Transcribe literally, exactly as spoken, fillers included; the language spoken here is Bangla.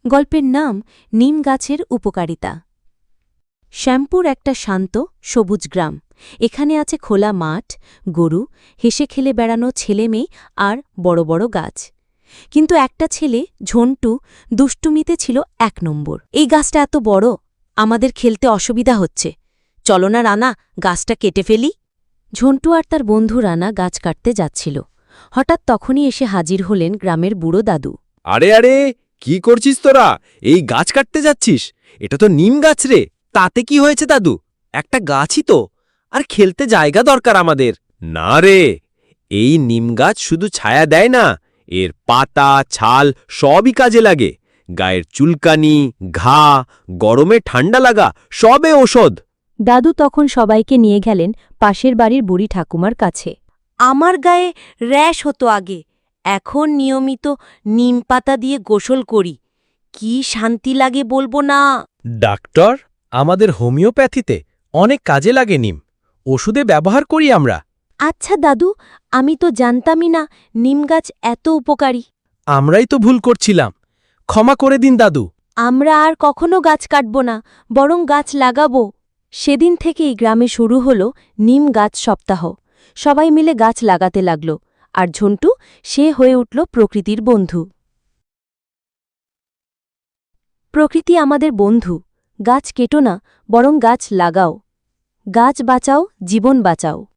গল্পের নাম নিম গাছের উপকারিতা। শ্যামপুর একটা শান্ত সবুজ গ্রাম। এখানে আছে খোলা মাঠ, গরু, হেসে খেলে বেড়ানো ছেলে মেয়ে আর বড় বড় গাছ। কিন্তু একটা ছেলে, ঝন্টু, দুষ্টুমিতে ছিল এক নম্বর। এই গাছটা এত বড়, আমাদের খেলতে অসুবিধা হচ্ছে, চলো না রানা, গাছটা কেটে ফেলি। ঝন্টু আর তার বন্ধু রানা গাছ কাটতে যাচ্ছিল। হঠাৎ তখনই এসে হাজির হলেন গ্রামের বুড়ো দাদু। আরে আরে, কি করছিস তোরা? এই গাছ কাটতে যাচ্ছিস? এটা তো নিম গাছ রে। তাতে কি হয়েছে দাদু? একটা গাছই তো, আর খেলতে জায়গা দরকার আমাদের। না রে, এই নিম গাছ শুধু ছায়া দেয় না, এর পাতা ছাল সবই কাজে লাগে। গায়ের চুলকানি, ঘা, গরমে ঠান্ডা লাগা সবে ঔষধ। দাদু তখন সবাইকে নিয়ে গেলেন পাশের বাড়ির বুড়ি ঠাকুমার কাছে। আমার গায়ে র্যাশ হতো আগে, এখন নিয়মিত নিম পাতা দিয়ে গোসল করি, কি শান্তি লাগে বলবো না। ডাক্তার, আমাদের হোমিওপ্যাথিতে অনেক কাজে লাগে নিম, ওষুধে ব্যবহার করি আমরা। আচ্ছা দাদু, আমি তো জানতামই না নিম গাছ এত উপকারী। আমরাই তো ভুল করছিলাম, ক্ষমা করে দিন দাদু। আমরা আর কখনো গাছ কাটব না, বরং গাছ লাগাবো। সেদিন থেকেই গ্রামে শুরু হলো নিম গাছ সপ্তাহ। সবাই মিলে গাছ লাগাতে লাগল, আর ঝন্টু সে হয়ে উঠল প্রকৃতির বন্ধু। প্রকৃতি আমাদের বন্ধু, গাছ কেটো না, বরং গাছ লাগাও। গাছ বাঁচাও, জীবন বাঁচাও।